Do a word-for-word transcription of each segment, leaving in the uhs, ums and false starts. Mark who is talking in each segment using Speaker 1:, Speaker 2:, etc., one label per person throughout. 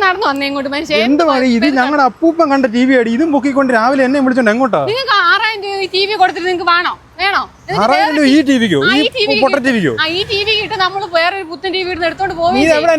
Speaker 1: നടന്നു വന്നേ ഇങ്ങോട്ട് മനുഷ്യൻ.
Speaker 2: എന്ത് മതി ഇത് ഞങ്ങളുടെ അപ്പൂപ്പൻ കണ്ട ടി വി ആടി ഇതും പൊക്കിക്കൊണ്ട് രാവിലെ എന്നെ വിളിച്ചോണ്ട് എങ്ങോട്ടാ?
Speaker 1: നിങ്ങൾക്ക് ആറായിരം രൂപ ടി വി കൊടുത്തിട്ട് നിങ്ങൾക്ക് വേണോ വേണോ
Speaker 2: ആറായിരം രൂപ ഈ ടിവിക്കോ ഈ പൊട്ട ടിവിക്കോ?
Speaker 1: ഈ ടി വി കിട്ടും നമ്മൾ വേറൊരു പുത്തൻ ടി വി എടുത്തോണ്ട് പോകും.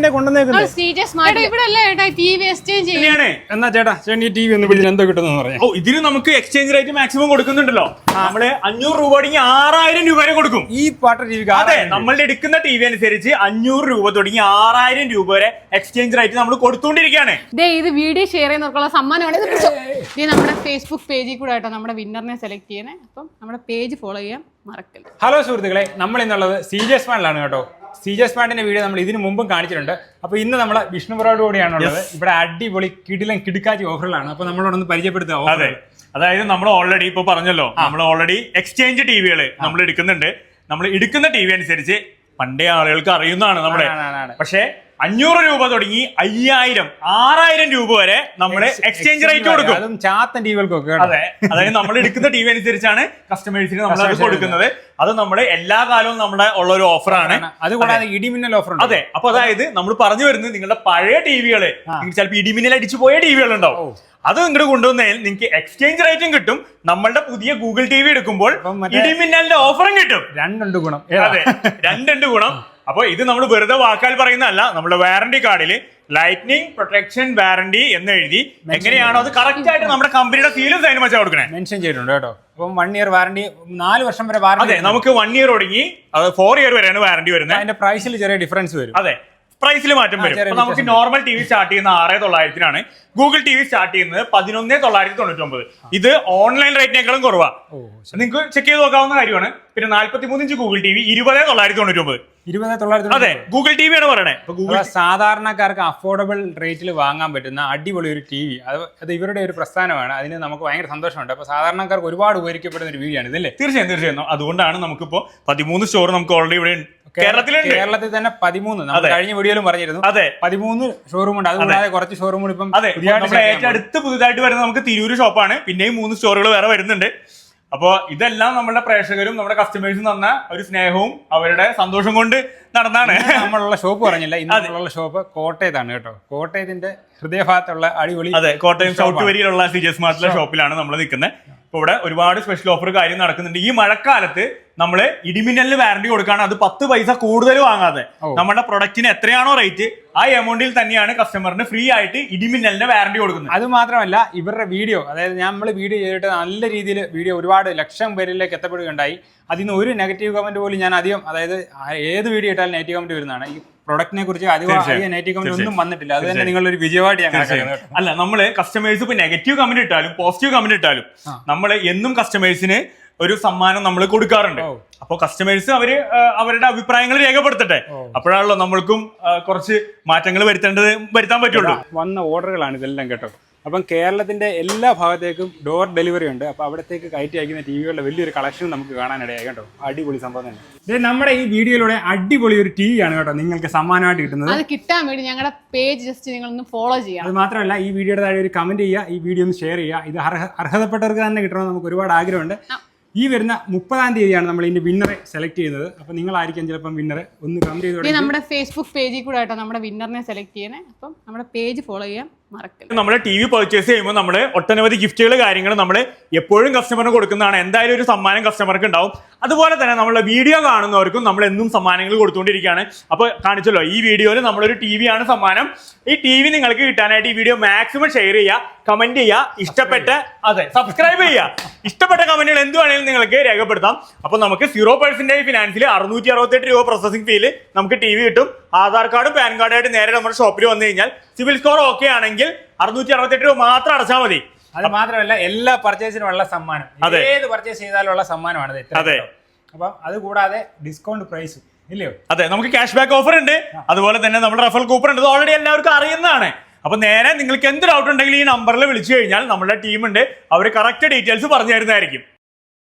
Speaker 1: ഇവിടെ അല്ലേ ഏട്ടാ ടി വി എക്സ്ചേഞ്ച് ചെയ്യാണ്.
Speaker 2: എന്നാ ചേട്ടാ ചേട്ടൻ ഈ ടി വി ഒന്ന് പിടിച്ച് എന്തോ കിട്ടുന്ന പറയാം.
Speaker 3: ഓ ഇതിന് നമുക്ക് എക്സ്ചേഞ്ച് റേറ്റ് മാക്സിമം കൊടുക്കുന്നുണ്ടല്ലോ. നമ്മള് അഞ്ഞൂറ് രൂപ തുടങ്ങി ആറായിരം രൂപ വരെ കൊടുക്കും
Speaker 2: ഈ പാട്ട ടി വി.
Speaker 3: അതെ നമ്മളുടെ എടുക്കുന്ന ടി വി അനുസരിച്ച് അഞ്ഞൂറ് രൂപ തുടങ്ങി ആറായിരം രൂപ വരെ എക്സ്ചേഞ്ച് റേറ്റ് നമ്മൾ കൊടുത്തോണ്ടിരിക്കുകയാണ്.
Speaker 1: ഇത് വീഡിയോ ഷെയർ ചെയ്യുന്നവർക്കുള്ള സമ്മാനമാണ്. ഇത് നമ്മുടെ ഫേസ്ബുക്ക് പേജിൽ കൂടെ ആയിട്ടോ നമ്മുടെ വിന്നറിനെ സെലക്ട് ചെയ്യണേ. അപ്പം നമ്മുടെ പേജ് ഫോളോ ചെയ്യാൻ മറക്കല്ല.
Speaker 2: ഹലോ സുഹൃത്തുക്കളെ, നമ്മൾ ഇന്നുള്ളത് സി ജെ സ്പാൻഡിലാണ് കേട്ടോ. സി ജെ സ്പാൻഡിന്റെ വീഡിയോ നമ്മൾ ഇതിന് മുമ്പും കാണിച്ചിട്ടുണ്ട്. അപ്പൊ ഇന്ന് നമ്മൾ വിഷ്ണുപുരയോട് കൂടിയാണുള്ളത്. ഇവിടെ അടിപൊളി കിടിലൻ കിടുക്കാച്ചി ഓഫറുകളാണ്. അപ്പൊ നമ്മളോടൊന്ന് പരിചയപ്പെടുത്തുക.
Speaker 3: അതെ, അതായത് നമ്മൾ ഓൾറെഡി ഇപ്പൊ പറഞ്ഞല്ലോ, നമ്മൾ ഓൾറെഡി എക്സ്ചേഞ്ച് ടിവികൾ നമ്മൾ എടുക്കുന്നുണ്ട്. നമ്മൾ എടുക്കുന്ന ടി വി അനുസരിച്ച് പണ്ടേ ആളുകൾക്ക് അറിയുന്നതാണ് നമ്മുടെ. പക്ഷേ അഞ്ഞൂറ് രൂപ തുടങ്ങി അയ്യായിരം ആറായിരം രൂപ വരെ നമ്മള് എക്സ്ചേഞ്ച് റേറ്റ് കൊടുക്കും.
Speaker 2: ചാത്തൻ ടിവികൾക്കൊക്കെ.
Speaker 3: അതെ, അതായത് നമ്മൾ എടുക്കുന്ന ടി വി അനുസരിച്ചാണ് കസ്റ്റമേഴ്സിന് നമ്മൾ അത് കൊടുക്കുന്നത്. അത് നമ്മുടെ എല്ലാ കാലവും നമ്മുടെ ഉള്ള ഒരു ഓഫറാണ്.
Speaker 2: അതുകൂടാതെ ഇടിമിന്നൽ ഓഫർ.
Speaker 3: അതെ, അപ്പൊ അതായത് നമ്മൾ പറഞ്ഞു വരുന്നത് നിങ്ങളുടെ പഴയ ടിവികള് ചിലപ്പോൾ ഇടിമിന്നൽ അടിച്ചു പോയ ടിവികൾ ഉണ്ടാവും. അത് ഇങ്ങോട്ട് കൊണ്ടുവന്നാൽ നിങ്ങൾക്ക് എക്സ്ചേഞ്ച് റേറ്റും കിട്ടും. നമ്മളുടെ പുതിയ ഗൂഗിൾ ടി വി എടുക്കുമ്പോൾ ഇടിമിന്നലിന്റെ ഓഫറും കിട്ടും.
Speaker 2: രണ്ടുണ്ട് ഗുണം.
Speaker 3: അതെ, രണ്ടുണ്ട് ഗുണം. അപ്പൊ ഇത് നമ്മൾ വെറുതെ വാക്കാൽ പറയുന്നതല്ല. നമ്മുടെ വാറന്റി കാർഡിൽ ലൈറ്റ്നിങ് പ്രൊട്ടക്ഷൻ വാറന്റി എന്ന് എഴുതി എങ്ങനെയാണോ അത് കറക്റ്റ് ആയിട്ട് നമ്മുടെ കമ്പനിയുടെ സീലും സൈനും വെച്ചാൽ കൊടുക്കണേ
Speaker 2: മെൻഷൻ ചെയ്തിട്ടുണ്ട് കേട്ടോ. അപ്പം വൺ ഇയർ വാറന്റി, നാല് വർഷം വരെ വാറന്റി.
Speaker 3: അതെ, നമുക്ക് വൺ ഇയർ തുടങ്ങി അത് ഫോർ ഇയർ വരെയാണ് വാറന്റി വരുന്നത്.
Speaker 2: അതിന്റെ പ്രൈസിൽ ചെറിയ ഡിഫറൻസ് വരും.
Speaker 3: അതെ, പ്രൈസിൽ മാറ്റം വരും. നമുക്ക് നോർമൽ ടി വി സ്റ്റാർട്ട് ചെയ്യുന്ന ആറ് തൊള്ളായിരത്തിനാണ്. ഗൂഗിൾ ടി വി സ്റ്റാർട്ട് ചെയ്യുന്നത് പതിനൊന്ന് തൊള്ളായിരത്തി തൊണ്ണൂറ്റി ഒമ്പത്. ഇത് ഓൺലൈൻ റേറ്റിനേക്കാളും കുറവാ. നിങ്ങൾക്ക് ചെക്ക് ചെയ്ത് നോക്കാവുന്ന കാര്യമാണ്. പിന്നെ നാല്പത്തി മൂന്ന് ഇഞ്ച് ഗൂഗിൾ ടി വി ഇരുപത് തൊള്ളായിരത്തി തൊണ്ണൂറ്റി ഒമ്പത്.
Speaker 2: ഇരുപത് തൊള്ളായിരത്തി
Speaker 3: അതെ, ഗൂഗിൾ ടി വി ആണ് പറയണേ.
Speaker 2: സാധാരണക്കാർക്ക് അഫോർഡബിൾ റേറ്റിൽ വാങ്ങാൻ പറ്റുന്ന അടിപൊളി ഒരു ടി വി. അത് അത് ഇവരുടെ ഒരു പ്രസ്ഥാനമാണ്. അതിന് നമുക്ക് ഭയങ്കര സന്തോഷമുണ്ട്. അപ്പൊ സാധാരണക്കാർക്ക് ഒരുപാട് ഉപകരിക്കപ്പെടുന്ന ഒരു വീഡിയോ ആണ് ഇതല്ലേ?
Speaker 3: തീർച്ചയായും തീർച്ചയായും. അതുകൊണ്ടാണ് നമുക്കിപ്പോ പതിമൂന്ന് സ്റ്റോർ നമുക്ക് ഓൾറെഡി ഇവിടെ കേരളത്തിലുണ്ട്.
Speaker 2: കേരളത്തിൽ തന്നെ പതിമൂന്ന്. കഴിഞ്ഞ വീഡിയോയിലും പറഞ്ഞിരുന്നു.
Speaker 3: അതെ,
Speaker 2: പതിമൂന്ന് ഷോറൂം ഉണ്ട്. അതുകൂടാതെ കുറച്ച് ഷോറൂം ഇപ്പം
Speaker 3: ഏറ്റവും അടുത്ത് പുതുതായിട്ട് വരുന്നത് നമുക്ക് തിരൂര് ഷോപ്പാണ്. പിന്നെയും മൂന്ന് സ്റ്റോറുകൾ വേറെ വരുന്നുണ്ട്. അപ്പോ ഇതെല്ലാം നമ്മുടെ പ്രേക്ഷകരും നമ്മുടെ കസ്റ്റമേഴ്സും തന്ന ഒരു സ്നേഹവും അവരുടെ സന്തോഷം കൊണ്ട് നടന്നാണ്.
Speaker 2: നമ്മളുള്ള ഷോപ്പ് പറഞ്ഞില്ല, ഇന്നുള്ള ഷോപ്പ് കോട്ടയത്താണ് കേട്ടോ. കോട്ടയത്തിന്റെ ഹൃദയഭാഗത്തുള്ള അടിപൊളി.
Speaker 3: അതെ, കോട്ടയം സൗത്ത് വരിയിലുള്ള സി ജെ സ്മാർട്ടിലെ ഷോപ്പിലാണ് നമ്മൾ നിൽക്കുന്നത്. ഇപ്പൊ ഇവിടെ ഒരുപാട് സ്പെഷ്യൽ ഓഫർ കാര്യം നടക്കുന്നുണ്ട്. ഈ മഴക്കാലത്ത് നമ്മള് ഇടിമിന്നലിന് വാറന്റി കൊടുക്കാണ്. അത് പത്ത് പൈസ കൂടുതൽ വാങ്ങാതെ നമ്മുടെ പ്രൊഡക്റ്റിന് എത്രയാണോ റേറ്റ് ആ എമൗണ്ടിൽ തന്നെയാണ് കസ്റ്റമറിന് ഫ്രീ ആയിട്ട് ഇടിമിന്നലിന് വാറന്റി കൊടുക്കുന്നത്.
Speaker 2: അത് മാത്രമല്ല ഇവരുടെ വീഡിയോ, അതായത് നമ്മൾ വീഡിയോ ചെയ്തിട്ട് നല്ല രീതിയിൽ വീഡിയോ ഒരുപാട് ലക്ഷം പേരിലേക്ക് എത്തപ്പെടുകയുണ്ടായി. അതിൽ നിന്ന് ഒരു നെഗറ്റീവ് കമന്റ് പോലും ഞാൻ അധികം, അതായത് ഏത് വീഡിയോ ഇട്ടാലും നെഗറ്റീവ് കമന്റ് വരുന്നതാണ്. ഈ പ്രൊഡക്റ്റിനെ കുറിച്ച് അധികം നെഗറ്റീവ് കമന്റ് ഒന്നും വന്നിട്ടില്ല. അത് തന്നെ നിങ്ങളൊരു വിജയമായിട്ട് ഞാൻ കണക്കാക്കുന്നത്.
Speaker 3: അല്ല, നമ്മള് കസ്റ്റമേഴ്സ് ഇപ്പൊ നെഗറ്റീവ് കമന്റ് ഇട്ടാലും പോസിറ്റീവ് കമന്റ് ഇട്ടാലും നമ്മള് എന്നും കസ്റ്റമേഴ്സിന് ഒരു സമ്മാനം നമ്മൾ കൊടുക്കാറുണ്ട്. അപ്പൊ കസ്റ്റമേഴ്സ് അവര് അവരുടെ അഭിപ്രായങ്ങൾ രേഖപ്പെടുത്തട്ടെ. അപ്പോഴാണല്ലോ നമ്മൾക്കും കുറച്ച് മാറ്റങ്ങൾ വരുത്തേണ്ടത് വരുത്താൻ പറ്റുള്ളൂ.
Speaker 2: വന്ന ഓർഡറുകളാണ് ഇതെല്ലാം കേട്ടോ. അപ്പം കേരളത്തിന്റെ എല്ലാ ഭാഗത്തേക്കും ഡോർ ഡെലിവറി ഉണ്ട്. അപ്പൊ അവിടത്തേക്ക് കയറ്റി അയക്കുന്ന ടി വികളുടെ വലിയൊരു കളക്ഷൻ നമുക്ക് കാണാനിടയായി കേട്ടോ. അടിപൊളി സംഭവം തന്നെ. ഇത് നമ്മുടെ ഈ വീഡിയോയിലൂടെ അടിപൊളി ഒരു ടി വി ആണ് കേട്ടോ നിങ്ങൾക്ക് സമ്മാനമായിട്ട് കിട്ടുന്നത്.
Speaker 1: അത് കിട്ടാൻ വേണ്ടി ഞങ്ങളുടെ പേജ് ജസ്റ്റ് നിങ്ങൾ ഒന്ന് ഫോളോ ചെയ്യാം.
Speaker 2: അത് മാത്രമല്ല ഈ വീഡിയോയുടെ താഴെ ഒരു കമന്റ് ചെയ്യുക, ഈ വീഡിയോ ഒന്ന് ഷെയർ ചെയ്യുക. ഇത് അർഹ അർഹതപ്പെട്ടവർക്ക് തന്നെ കിട്ടണമെന്ന് നമുക്ക് ഒരുപാട് ആഗ്രഹമുണ്ട്. ഈ വരുന്ന മുപ്പതാം തീയതിയാണ് നമ്മൾ ഇതിന്റെ വിന്നറെ സെലക്ട് ചെയ്യുന്നത്. അപ്പൊ നിങ്ങളായിരിക്കും ചിലപ്പം വിന്നറെ ഒന്ന് കമന്റ് ചെയ്ത്.
Speaker 1: നമ്മുടെ ഫേസ്ബുക്ക് പേജിൽ കൂടെ ആയിട്ടോ നമ്മുടെ വിന്നറിനെ സെലക്ട് ചെയ്യണേ. അപ്പം നമ്മുടെ പേജ് ഫോളോ ചെയ്യാൻ മറക്കരുത്.
Speaker 3: നമ്മൾ ടി വി പർച്ചേസ് ചെയ്യുമ്പോൾ നമ്മൾ ഒട്ടനവധി ഗിഫ്റ്റുകൾ കാര്യങ്ങൾ നമ്മൾ എപ്പോഴും കസ്റ്റമറിന് കൊടുക്കുന്നതാണ്. എന്തായാലും ഒരു സമ്മാനം കസ്റ്റമർക്ക് ഉണ്ടാവും. അതുപോലെ തന്നെ നമ്മളെ വീഡിയോ കാണുന്നവർക്കും നമ്മൾ എന്നും സമ്മാനങ്ങൾ കൊടുത്തുകൊണ്ടിരിക്കുകയാണ്. അപ്പോൾ കാണിച്ചല്ലോ, ഈ വീഡിയോയിൽ നമ്മളൊരു ടി വി ആണ് സമ്മാനം. ഈ ടി വി നിങ്ങൾക്ക് കിട്ടാനായിട്ട് ഈ വീഡിയോ മാക്സിമം ഷെയർ ചെയ്യുക, കമന്റ് ചെയ്യുക, ഇഷ്ടപ്പെട്ട അതെ സബ്സ്ക്രൈബ് ചെയ്യുക. ഇഷ്ടപ്പെട്ട കമന്റുകൾ എന്ത് വേണമെങ്കിലും നിങ്ങൾക്ക് രേഖപ്പെടുത്താം. അപ്പോൾ നമുക്ക് സീറോ പെർസെന്റേജ് ഫിനാൻസിൽ അറുന്നൂറ്റി അറുപത്തെട്ട് രൂപ പ്രോസസിംഗ് ഫീല് നമുക്ക് ടി വി കിട്ടും. ആധാർ കാർഡും പാൻ കാർഡായിട്ട് നേരെ നമ്മുടെ ഷോപ്പിൽ വന്നു കഴിഞ്ഞാൽ സിവിൽ സ്കോർ ഓക്കെ ആണെങ്കിൽ അറുന്നൂറ്റി അറുപത്തെട്ട് രൂപ മാത്രം അടച്ചാൽ മതി.
Speaker 2: അത് മാത്രമല്ല എല്ലാ പർച്ചേസിനുമുള്ള സമ്മാനം, ഏത് പർച്ചേസ് ചെയ്താലുള്ള സമ്മാനമാണ്. അതെ, അപ്പൊ അത് കൂടാതെ ഡിസ്കൗണ്ട് പ്രൈസ് ഇല്ലയോ?
Speaker 3: അതെ, നമുക്ക് ക്യാഷ് ബാക്ക് ഓഫർ ഉണ്ട്. അതുപോലെ തന്നെ നമ്മുടെ റഫൽ കൂപ്പൺ ഉണ്ട്. ഓൾറെഡി എല്ലാവർക്കും അറിയുന്നതാണ്. അപ്പൊ നേരെ നിങ്ങൾക്ക് എന്ത് ഡൗട്ട് ഉണ്ടെങ്കിലും ഈ നമ്പറിൽ വിളിച്ചു കഴിഞ്ഞാൽ നമ്മുടെ ടീമുണ്ട്, അവർ കറക്റ്റ് ഡീറ്റെയിൽസ് പറഞ്ഞു തരുന്നതായിരിക്കും.